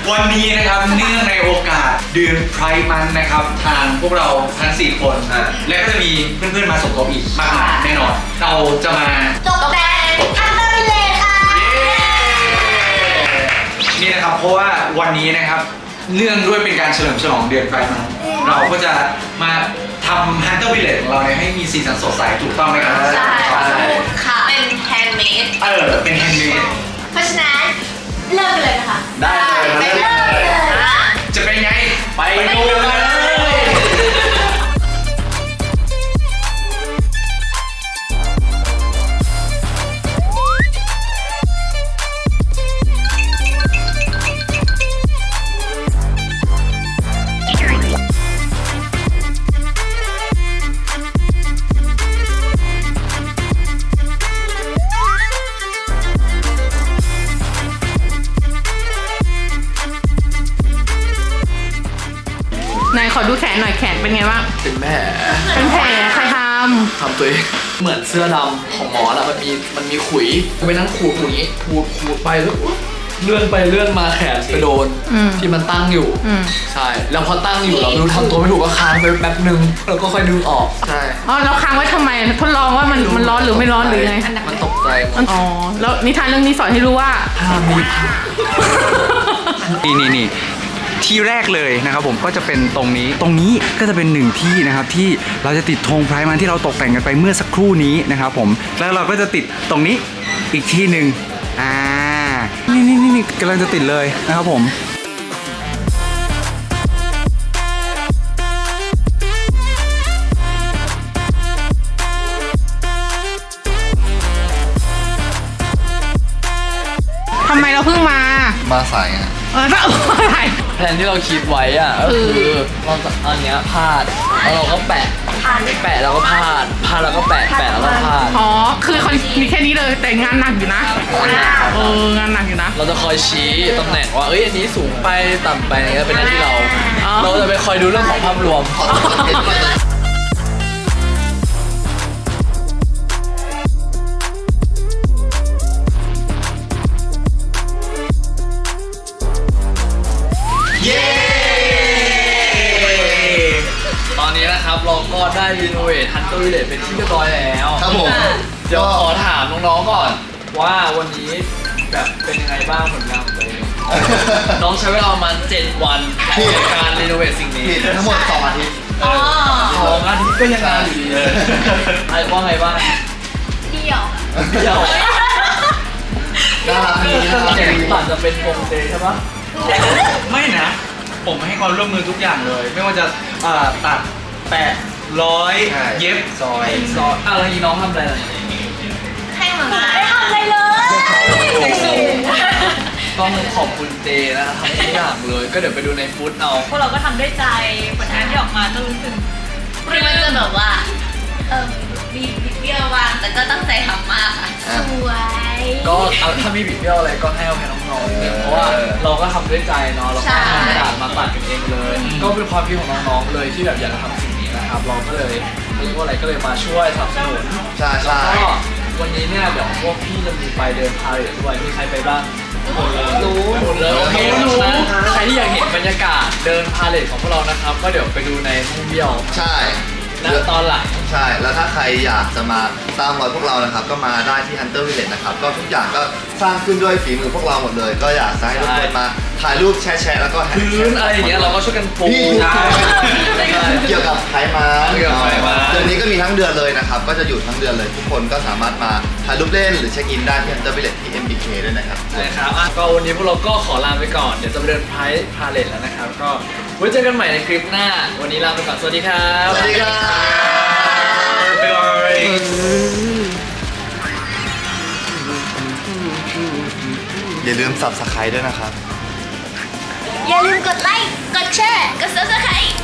วันนี้นะครับเนื่องในโอกาสเดือนไพร์มันนะครับทางพวกเราทั้ง4คนและก็จะมีเพื่อนๆมาสมทบอีกมากมายแน่นอนเราจะมาตกแต่งอันเดอร์เลย์ค่ะนี่นะครับเพราะว่าวันนี้นะครับเนื่องด้วยเป็นการเฉลิมฉลองเดือนไพร์มันเราก็จะมาทำฮันเตอร์วิลเลจของเราให้มีสีสันสดใสถูกต้องไหมครับใช่ค่ะเป็นแฮนด์เมดเป็นแฮนด์เมดเพราะฉะนั้นเริ่มกันเลยนะคะได้ไปเริ่มเลยจะเป็นไงไปดูเลยไหนขอดูแขนหน่อยแขนเป็นไงบ้างเป็นแผลเป็นแผลใครทำตัวเองเหมือนเสื้อดำของหมอแล้วมันมีขุยไปนั่งขูดอย่างนี้ขูดไปแล้วเลื่อนไปเลื่อนมาแขนไปโดนที่มันตั้งอยู่ใช่แล้วพอตั้งอยู่เราไม่รู้ทำตัวไม่ถูกก็ค้างไปแป๊บนึงแล้วก็ค่อยดึงออกใช่อ๋อเราค้างไว้ทำไมทดลองว่ามันร้อนหรือไม่ร้อนหรือไงมันตกใจอ๋อแล้วนิทานเรื่องนี้สอนให้รู้ว่าห้ามมีนี่ที่แรกเลยนะครับผมก็จะเป็นตรงนี้ก็จะเป็นหนึ่งที่นะครับที่เราจะติดธงไพร์มันที่เราตกแต่งกันไปเมื่อสักครู่นี้นะครับผมแล้วเราก็จะติดตรงนี้อีกที่หนึ่งนี่กำลังจะติดเลยนะครับผมทำไมเราเพิ่งมาสายอ่ะอะไรแผนที่เราคิดไว้อ่ะก็คือเราจะเอาเนี้ยพาดแล้วเราก็แปะแล้วก็พาดแล้วก็แปะแล้วก็พาดอ๋อคือคอนมีแค่นี้เลยแต่งานหนักอยู่นะงานหนักอยู่นะเราจะคอยชี้ตำแหน่งว่าอันนี้สูงไปต่ำไปนี่ก็เป็นหน้าที่เราจะไปคอยดูเรื่องของภาพรวมตอนนี้นะครับเราก็ได้รีโนเวทฮันเตอร์วิลเลจเป็นที่เรียบร้อยแล้วครับผมเดี๋ยวขอถามน้องๆก่อนว่าวันนี้แบบเป็นยังไงบ้างผลงานของตัวเองน้องใช้เวลาประมาณ7 วันในการรีโนเวทสิ่งนี้ทั้งหมด2 อาทิตย์ 2 อาทิตย์ก็ยังงานอยู่ดีเลยไอ้ว่าไงบ้างเดี่ยวน่ารักดีตัดจะเป็นโปรเจใช่ปะไม่นะผมให้ความร่วมมือทุกอย่างเลยไม่ว่าจะตัดแปะร้อยเย็บซอยอะไรน้องทำอะไรให้มาไม่ทำอะไรเลยต้องขอบคุณเจนะครับทำทุกอย่างเลยก็เดี๋ยวไปดูในฟุตเอาพวกเราก็ทำด้วยใจผลงานที่ออกมาก็รู้สึกคือมันจะแบบว่ามีบิดเบี้ยวบ้างแต่ก็ตั้งใจทำมากค่ะสวยก็ถ้ามีบิดเบี้ยวอะไรก็ให้เอาให้น้องๆเพราะว่าเราก็ทำด้วยใจเนาะเราก็ทำกระดาษมาตัดกันเองเลยก็เป็นความคิดของน้องๆเลยที่แบบอยากจะทำสิ่งนี้นะครับเราก็เลยเรียกว่าอะไรก็เลยมาช่วยสนับสนุนใช่ก็วันนี้เนี่ยเดี๋ยวพวกพี่จะมีไปเดินพาเหรดด้วยมีใครไปบ้างรู้หมดเลยโอเคใครที่อยากเห็นบรรยากาศเดินพาเหรดของพวกเรานะครับก็เดี๋ยวไปดูในท่องเที่ยวใช่แล้วตอนหลังใช่แล้วถ้าใครอยากจะมาตามรอยพวกเรานะครับก็มาได้ที่ Hunter Village นะครับก็ทุกอย่างก็สร้างขึ้นด้วยฝีมือพวกเราหมดเลยก็อยากให้ทุกคนมาถ่ายรูปแชร์แล้วก็พื้นอะไรอย่างเงี้ยเราก็ช่วยกันปูเกี่ยวกับไพร์มันเดือนนี้ก็มีทั้งเดือนเลยนะครับก็จะอยู่ทั้งเดือนเลยทุกคนก็สามารถมาถ่ายรูปเล่นหรือเช็คอินได้ที่ Hunter Village ที่ MBK ด้วยนะครับใช่ครับก็วันนี้พวกเราก็ขอลาไปก่อนเดี๋ยวจะไปเดินพาเลทแล้วนะครับก็ไว้เจอกันใหม่ในคลิปหน้าวันนี้ลาไปก่อนสวัสดีครับสวัสดีครับอย่าลืม Subscribe ด้วยนะครับอย่าลืมกดไลค์กดแชร์กด Subscribe